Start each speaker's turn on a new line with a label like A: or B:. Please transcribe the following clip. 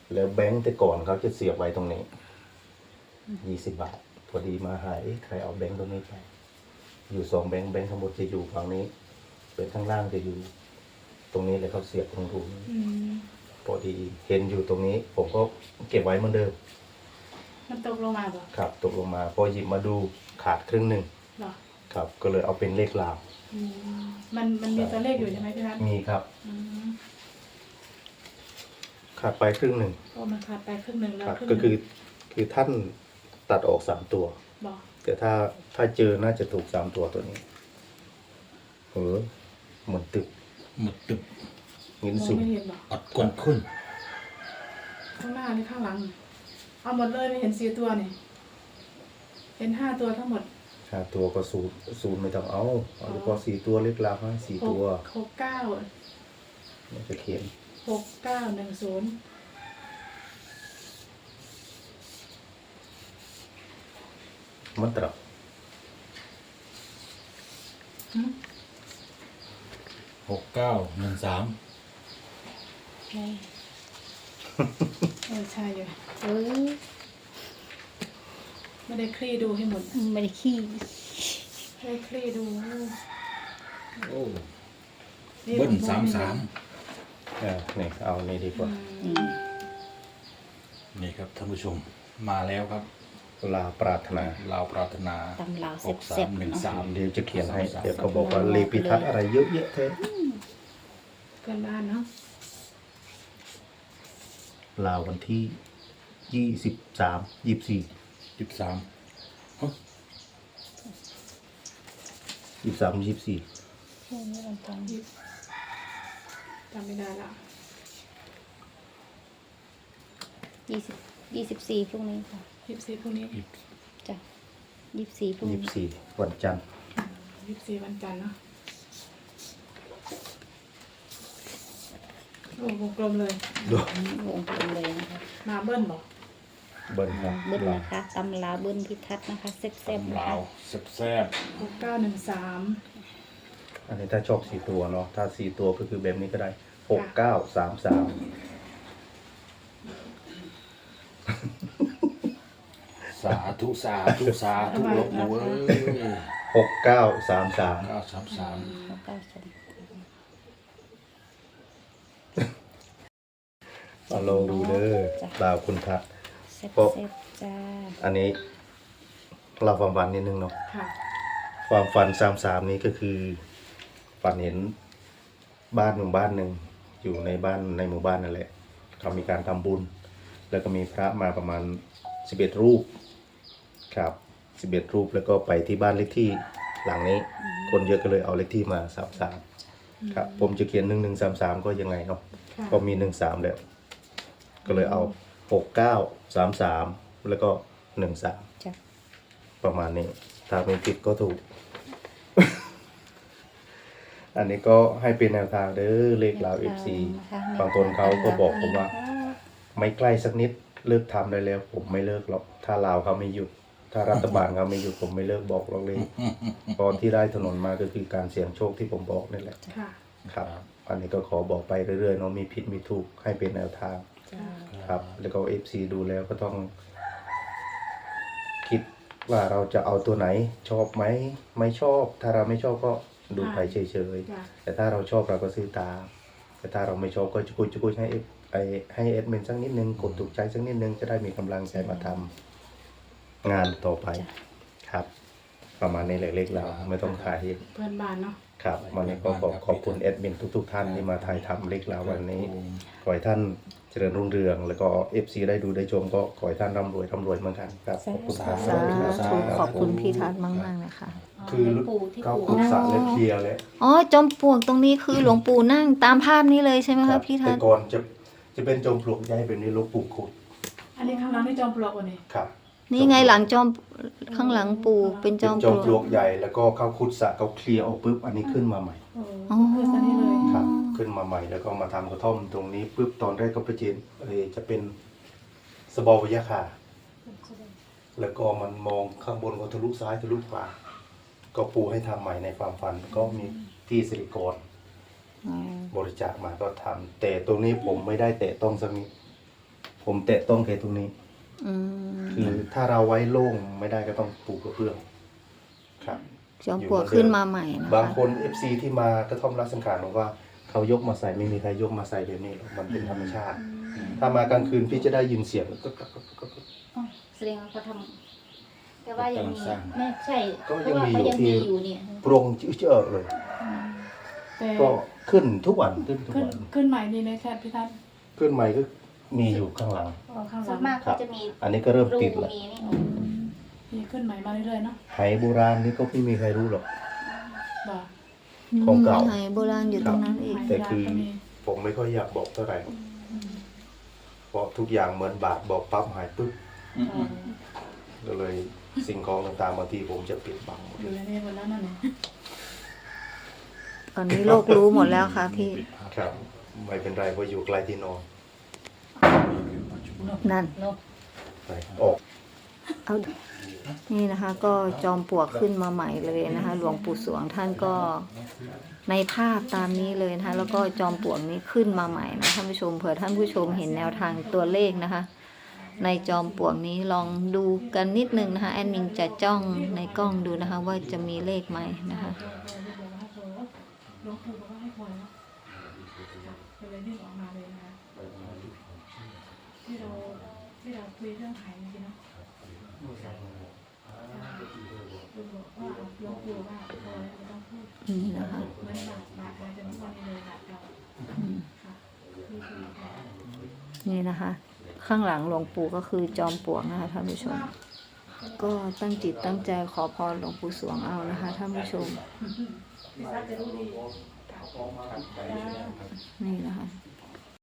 A: แล้วแบงค์แต่ก่อนเขาจะเสียบไว้ตรงนี้20 บาทพอดีมาหายใครเอาแบงค์ตรงนี้ไปอยู่2 แบงค์ข้างบนจะอยู่ฝั่งนี้เป็นข้างล่างจะอยู่ตรงนี้เลยเขาเสียบตรงรูพอดีเห็นอยู่ตรงนี้ ผมก็เก็บไว้เหมือนเดิม
B: มันตกลงมาป่ะ
A: ครับตกลงมาพอหยิบมาดูขาดครึ่งหนึ่งครับก็เลยเอาเป็นเลขลาว
B: มันมีตัวเลขอยู่ใช่ไหมพี่นัท
A: มีครับขาดไปครึ่งหนึ่ง
B: มันขาดไปครึ่งหนึ่งแล้ว
A: ก็คือท่านตัดออก3 ตัวแต่ถ้าเจอน่าจะถูก3 ตัวตัวนี้หมดตึบงินสูง
C: อัดก้นขึ้น
B: ข้างหน้านี่ข้างหลังเอาหมดเลยไม่เห็น4 ตัวนี่เห็น5 ตัวทั้งหมด
A: 5 ตัวก็ศูนย์ไม่ต้องเอาเฉพาะ4 ตัวเล็กลาวให้4 ตัว
B: 69
A: มันจะเขียน
B: 6910
A: มันตรับ
C: 6913
B: ใช่อยู่ไม่ได้คลี่ดูให้หมด
D: ไม่ได้ขี้
B: ไม่ได้คลี่ดู
C: โอ้เบิ้ล33
A: นี่เอานี่ดีกว่า
C: นี่ครับท่านผู้ชมมาแล้วครับ
A: ลาวปรารถนา
D: ตำลาว
C: 6313
A: เดี๋ยวจะเขียนให้เดี๋ยวเขาบอกว่าเลพิทัศน์อะไรเยอะแยะเท่
B: เกินบ้านเนาะ
A: ลาววันที่23 24 23 24
B: จำไม่ได้ละ
D: 24พรุ่งนี้ค่ะ
B: 24พรุ่งนี้
D: จ้ะ24พรุ่งนี้
A: 24วันจันทร์
B: 24วันจันทร์เนาะโอ้วงกลมเลยว
D: งกลมเลยนะคะ
B: มาเบิ้ลบอก
A: เบิ้ลครับ
D: เบิ้ลนะคะตำลาวเบิ้ลพิทัศน์นะคะแซ่บๆ
C: ลาวแซ่บ
B: 6913
A: อันนี้ถ้าชอบ4 ตัวเนาะถ้า4 ตัวก็คือแบบนี้ก็ได้6933
C: สาธุลบหลู่
A: 6933ลองดูเด้อลาวคุณทัศน์
D: เพราะ
A: อันนี้เราความฝันนิดนึงเนาะความฝัน33นี้ก็คือฝันเห็นบ้านหนึ่งอยู่ในหมู่บ้านนั่นแหละเขามีการทำบุญแล้วก็มีพระมาประมาณ11 รูปครับ11 รูปแล้วก็ไปที่บ้านเลขที่หลังนี้คนเยอะก็เลยเอาเลขที่มา33ครับผมจะเขียน1133ก็ยังไงเนาะก็มี13แล้วก็เลยเอา6933แล้วก็13ประมาณนี้ถ้าไม่ผิดก็ถูก อันนี้ก็ให้เป็นแนวทางเด้อเลขลาว FC บางคนเขาก็บอกผมว่าไม่ใกล้สักนิดเลิกทำได้แล้วผมไม่เลิกหรอกถ้าลาวเขาไม่หยุดถ้ารัฐบาลเขาไม่หยุดผมไม่เลิกบอกหรอกเลยตอนที่ได้ถนนมาก็คือการเสี่ยงโชคที่ผมบอกนี่แหละครับอันนี้ก็ขอบอกไปเรื่อยๆเนาะมีผิดมีถูกให้เป็นแนวทางครับแล้วก็ FC ดูแล้วก็ต้องคิดว่าเราจะเอาตัวไหนชอบไหมไม่ชอบถ้าเราไม่ชอบก็ดูไปเฉยๆแต่ถ้าเราชอบเราก็ซื้อตามแต่ถ้าเราไม่ชอบก็จุกุยให้เอดมินสักนิดนึงกดถูกใจสักนิดนึงจะได้มีกำลังใจมาทำงานต่อไปครับประมาณนี้แหละเลขเราไม่ต้องขาย
B: เพื่อนบ้านเนาะ
A: ครับวันนี้ก็ขอบคุณเอดมินทุกท่านที่มาถ่ายทำเลขเราวันนี้ขอให้ท่านเจริญรุ่งเรืองแล้วก็ FC ได้ดูได้ชมก็ขอให้ท่านร่ำรวยเหมือนกันครับขอบคุณครับ
D: ขอบคุณพี่ทัศน์มากๆนะคะ
A: คือเขาขุดสระและเคลียร์แล้ว
D: อ๋อจอมปลวกตรงนี้คือหลวงปู่นั่งตามภาพนี้เลยใช่ไหมคะพี่ทัศน์
A: แต่ก่อนจะเป็นจอมปลวกใหญ่เป็นนี้หลวงปู่ขุด
B: อันนี้ข้างหลังนี่จอมปลวกวันนี้
A: ครับ
D: นี่ไงหลังจอมข้างหลังปู่เป็นจอม
A: ปลวกใหญ่แล้วก็เขาขุดสระเขาเคลียร์ออกปุ๊บอันนี้ขึ้นมาใหม่
D: อ๋อ
A: ครับขึ้นมาใหม่แล้วก็มาทำกระท่อมตรงนี้ปุ๊บตอนแรกก็จะเป็นสบวิยาคาแล้วก็มันมองข้างบนก็ทะลุซ้ายทะลุขวาก็ปูให้ทำใหม่ในความฝันก็มีที่สิริกรบริจาคมาก็ทำแต่ตรงนี้ผมไม่ได้แตะต้องสักนิดผผมแตะต้องแค่ตรงนี้
D: อืม
A: คือถ้าเราไว้โล่งไม่ได้ก็ต้องปูกระเบื้องครับ
D: จอมปลวกขึ้นมาใหม่นะ
A: บาง
D: คะ
A: คน FC ที่มากระท่อมรักสังขารบอกว่าเขายกมาใส่ไม่มีใครยกมาใส่แบบนี้หรอกมันเป็นธรรมชาติ ถ้ามากลางคืนพี่จะได้ยินเสียงก็
E: อ๋อแสดงว่าเขาทำแต่ว่ายังมีไม่ใช่
A: ก็
E: เพ
A: ยั
E: ราะ
A: ง
E: ว่า
A: มีอ
E: เขา
A: ยู่
E: ยัง
A: ที่
E: มีอยู่เนี่ย
A: โปร่งเจอเลย
B: แต่
A: ก็ขึ้นทุกวันขึ้นทุก
B: ขึ้น
A: วัน
B: ขึ้นใหม่ดีไหมแค่พี่ทัศน์
A: ขึ้นใหม่ก็มีอยู่ข้างหลัง
B: เอาข้างห
E: ส่
B: ลั
E: วน
B: ง
E: มากเขาจะมี
A: อันนี้ก็เริ่ม
E: รู
A: ติดแล้ว
E: มีนี่
B: มีขึ้นใหม่มาเรื่อยๆเนาะ
A: ไหโบราณนี่ก็ไม่มีใครรู้หรอก
B: บ่
A: ของเก่า
D: ไหโบราณอยู่ตรงนั้นอีก
A: แต่คือผมไม่ค่อยอยากบอกเท่าไหร่เพราะทุกอย่างเหมือนบาทบอกปั๊บหายปุ๊บก็เลยสิ่งของต่างๆบางทีผมจะปิดบังหมด
B: อยู่ในนี้หมดแล้วนั่นเอง
D: ตอนนี้โลกรู้หมดแล้วค่ะพี่
A: ครับ ไม่เป็นไรเพราะอยู่ใกล้ที่นอน
D: นั่น
A: ไปออก
D: เอานี่นะคะ ก็จอมปลวกขึ้นมาใหม่เลยนะคะ หลวงปู่สวงท่านก็ในภาพตามนี้เลยนะคะ แล้วก็จอมปลวกนี้ขึ้นมาใหม่นะท่านผู้ชมเผื่อท่านผู้ชมเห็นแนวทางตัวเลขนะคะ ในจอมปลวกนี้ลองดูกันนิดนึงนะคะแอดมินจะจ้องในกล้องดูนะคะ ว่าจะมีเลขไหมนะคะ
B: หลวงปู่บอกว่าให้พอแล้วก็เลยรีบออกมาเลยนะคะที่เราคุยเรื่องขายเมื่อกี้เนาะคุณบอกว่าหลวงปู่ว่าพอแล้วไม่ต้องพูด
D: นี่นะคะ
B: เหมือนบาทอะไรจะทุกวันนี้เลยบาทเราค่ะนี่คือแผน
D: นี่นะคะ ข้างหลังหลวงปู่ก็คือจอมปลวกนะคะท่านผู้ชม ก็ตั้งจิตตั้งใจขอพรหลวงปู่สวงเอานะคะท่านผู้ชม
B: พี่ซักจะรู้ดี
D: นี่นะคะ
B: ค